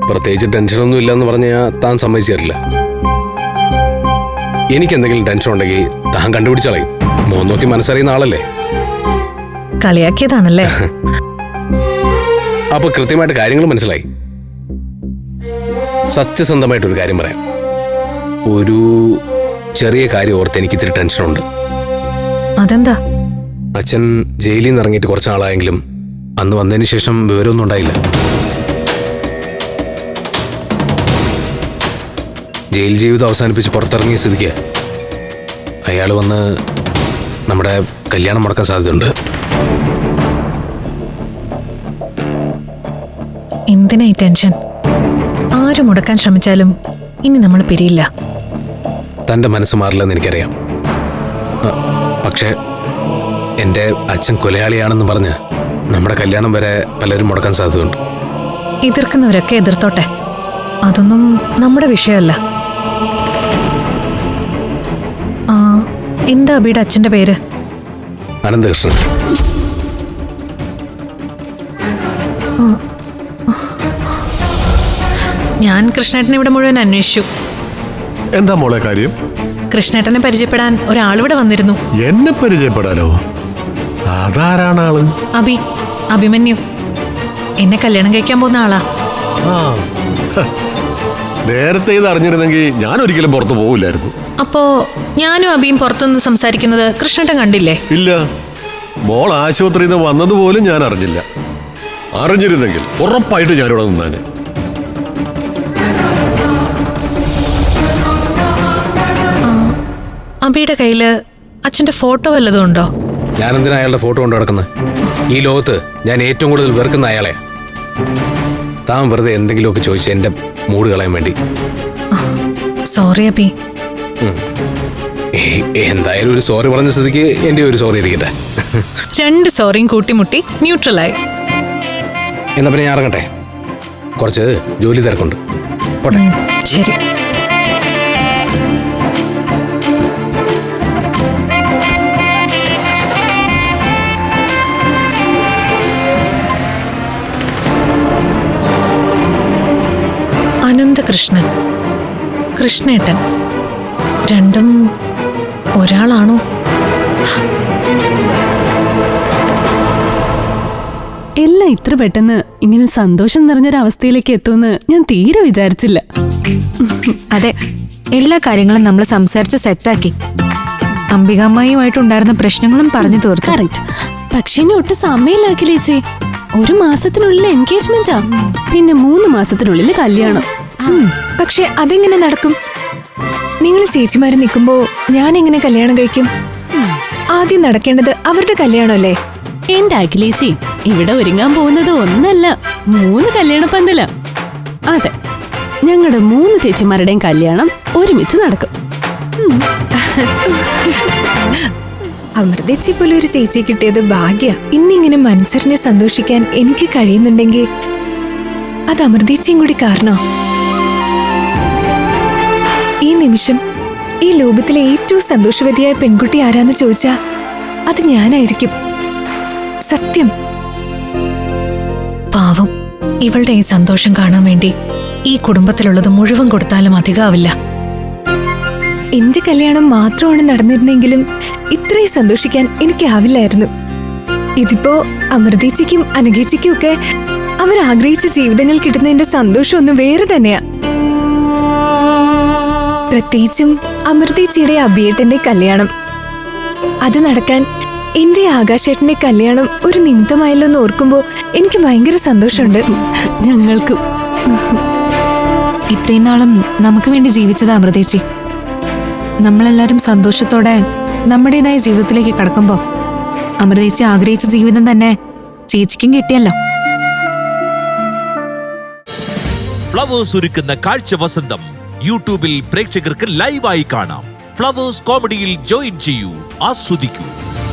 പ്രത്യേകിച്ച് ടെൻഷനൊന്നും ഇല്ലെന്ന് പറഞ്ഞാൽ താൻ സമ്മതിച്ചിട്ടില്ല. എനിക്കെന്തെങ്കിലും ടെൻഷൻ ഉണ്ടെങ്കിൽ താൻ കണ്ടുപിടിച്ചളയും. മോൻ നോക്കി മനസ്സറിയുന്ന ആളല്ലേ. കളിയാക്കിയതാണല്ലേ? അപ്പൊ കൃത്യമായിട്ട് കാര്യങ്ങൾ മനസ്സിലായി. സത്യസന്ധമായിട്ടൊരു കാര്യം പറയാം. ഒരു ചെറിയ കാര്യം ഓർത്ത് എനിക്ക് ഇത്തിരി ടെൻഷനുണ്ട്. അതെന്താ? അച്ഛൻ ജയിലിൽ നിന്ന് ഇറങ്ങിയിട്ട് കുറച്ച് നാളായെങ്കിലും അന്ന് വന്നതിന് ശേഷം വിവരമൊന്നും ഉണ്ടായില്ല. ജയിൽ ജീവിതം അവസാനിപ്പിച്ച് പുറത്തിറങ്ങിയ സ്ഥിതിക്ക് അയാൾ വന്ന് നമ്മുടെ കല്യാണം മുടക്കാൻ സാധ്യതയുണ്ട്. എന്തിനായി ടെൻഷൻ? ആര് മുടക്കാൻ ശ്രമിച്ചാലും ഇനി നമ്മൾ പിരിയില്ല. തൻ്റെ മനസ്സ് മാറില്ലെന്ന് എനിക്കറിയാം. പക്ഷേ എൻ്റെ അച്ഛൻ കൊലയാളിയാണെന്ന് പറഞ്ഞ് നമ്മുടെ കല്യാണം വരെ പലരും മുടക്കാൻ സാധ്യതയുണ്ട്. എതിർക്കുന്നവരൊക്കെ എതിർത്തോട്ടെ, അതൊന്നും നമ്മുടെ വിഷയമല്ല. എന്താ അബിയുടെ അച്ഛൻ്റെ പേര്? അനന്തകൃഷ്ണൻ. ഞാൻ കൃഷ്ണേട്ടനെ ഇവിടെ മുഴുവൻ അന്വേഷിച്ചു. എന്താ മോളെ കാര്യം? കൃഷ്ണേട്ടനെ പരിചയപ്പെടാൻ ഒരാളിവിടെ വന്നിരുന്നു. എന്നെ പരിചയപ്പെടാനോ? അതാരാണ് ആള്? അഭിമന്യു. എന്നെ കല്യാണം കഴിക്കാൻ പോകുന്ന ആളാ. നേരത്തെ ഇത് അറിഞ്ഞിരുന്നെങ്കിൽ ഞാൻ ഒരിക്കലും പുറത്തു പോവില്ലായിരുന്നു. അപ്പോ ഞാനും അബിയും പുറത്തുനിന്ന് സംസാരിക്കുന്നത് കൃഷ്ണേട്ടൻ കണ്ടില്ലേ? ഇല്ല, മോൾ ആശുപത്രിയിൽ നിന്ന് വന്നതുപോലും ഞാൻ അറിഞ്ഞില്ല. അറിഞ്ഞിരുന്നെങ്കിൽ ഉറപ്പായിട്ട് ഞാനിവിടെ നിന്നാന്. അബിയുടെ കയ്യില് അച്ഛന്റെ ഫോട്ടോ വല്ലതും ഉണ്ടോ? ഞാൻ എന്തിനാ അയാളുടെ ഫോട്ടോ കൊണ്ട് നടക്കുന്നത്? ഈ ലോകത്ത് ഞാൻ ഏറ്റവും കൂടുതൽ വെറുക്കുന്ന അയാളെ. താൻ വെറുതെ എന്തെങ്കിലുമൊക്കെ ചോദിച്ച് എന്റെ മൂഡ് കളയാൻ വേണ്ടി. സോറി അബി. എന്തായാലും ഒരു സോറി പറഞ്ഞ സ്ഥിതിക്ക് എന്റെ ഒരു സോറി ഇരിക്കട്ടെ. 2 സോറിയും കൂട്ടിമുട്ടി ന്യൂട്രലായി. എന്നാ പിന്നെ ഞാൻ ഇറങ്ങട്ടെ, കുറച്ച് ജോലി തിരക്കുണ്ട്. പോട്ടെ. ശരി. അനന്തകൃഷ്ണൻ, കൃഷ്ണേട്ടൻ, രണ്ടും ഒരാളാണോ? എല്ലാം ഇത്ര പെട്ടെന്ന് ഇങ്ങനെ സന്തോഷം നിറഞ്ഞൊരവസ്ഥയിലേക്ക് എത്തുമെന്ന് ഞാൻ തീരെ വിചാരിച്ചില്ല. അതെ, എല്ലാ കാര്യങ്ങളും നമ്മൾ സംസാരിച്ച് സെറ്റാക്കി. അംബികാമ്മായിയുമായിട്ടുണ്ടായിരുന്ന പ്രശ്നങ്ങളും പറഞ്ഞു തീർത്തു. കറക്റ്റ്. പക്ഷെ ഇനി ഒട്ടും സമയമില്ലാക്കില്ല ചേച്ചി. 1 മാസത്തിനുള്ളിൽ എൻഗേജ്മെന്റാ, പിന്നെ 3 മാസത്തിനുള്ളിൽ കല്യാണം. പക്ഷെ അതെങ്ങനെ നടക്കും? നിങ്ങൾ ചേച്ചിമാര് നിൽക്കുമ്പോ ഞാൻ എങ്ങനെ കല്യാണം കഴിക്കും? ആദ്യം നടക്കേണ്ടത് അവരുടെ കല്യാണമല്ലേ? എന്റെ അഖിലേച്ചി, ഇവിടെ ഒരുങ്ങാൻ പോകുന്നത് 1 അല്ല 3 കല്യാണ പന്തല. അതെ, ഞങ്ങളുടെ 3 ചേച്ചിമാരുടെയും കല്യാണം ഒരുമിച്ച് നടക്കും. അമൃതേച്ചി പോലെ ഒരു ചേച്ചി കിട്ടിയത് ഭാഗ്യ. ഇന്നിങ്ങനെ മനസ്സറിഞ്ഞ് സന്തോഷിക്കാൻ എനിക്ക് കഴിയുന്നുണ്ടെങ്കിൽ അത് അമൃതേച്ചിയും കൂടി കാരണോ? ഈ നിമിഷം ഈ ലോകത്തിലെ ഏറ്റവും സന്തോഷവതിയായ പെൺകുട്ടി ആരാന്ന് ചോദിച്ചാ അത് ഞാനായിരിക്കും. സത്യം. പാവം, ഇവളുടെ ഈ സന്തോഷം കാണാൻ വേണ്ടി ഈ കുടുംബത്തിലുള്ളത് മുഴുവൻ കൊടുത്താലും അധികമാവില്ല. എന്റെ കല്യാണം മാത്രമാണ് നടന്നിരുന്നെങ്കിലും ഇത്രയും സന്തോഷിക്കാൻ എനിക്കാവില്ലായിരുന്നു. ഇതിപ്പോ അമൃതേച്ചിക്കും അനഘേച്ചിക്കും ഒക്കെ അവരാഗ്രഹിച്ച ജീവിതങ്ങൾ കിട്ടുന്നതിന്റെ സന്തോഷം ഒന്ന് വേറെ തന്നെയാ. പ്രത്യേകിച്ചും അമൃതേച്ചിയുടെ അഭിയേട്ടന്റെ കല്യാണം. അത് നടക്കാൻ എന്റെ ആകാശേട്ടന്റെ കല്യാണം ഒരു നിമിത്തമായല്ലോ എന്ന് ഓർക്കുമ്പോ എനിക്ക് ഭയങ്കര സന്തോഷമുണ്ട്. ഞങ്ങൾക്കും. ഇത്രയും നാളും നമുക്ക് വേണ്ടി ജീവിച്ചത് അമൃതേച്ചി. നമ്മളെല്ലാരും സന്തോഷത്തോടെ നമ്മുടേതായ ജീവിതത്തിലേക്ക് കടക്കുമ്പോ അമൃതേച്ചി ആഗ്രഹിച്ച ജീവിതം തന്നെ ചേച്ചിക്കും കിട്ടിയല്ലോ. ഫ്ലവേഴ്സ് ഒരുക്കുന്ന കാഴ്ച വസന്തം യൂട്യൂബിൽ പ്രേക്ഷകർക്ക് ലൈവായി കാണാം. ഫ്ലവേഴ്സ് കോമഡിയിൽ ജോയിൻ ചെയ്യൂ, ആസ്വദിക്കൂ.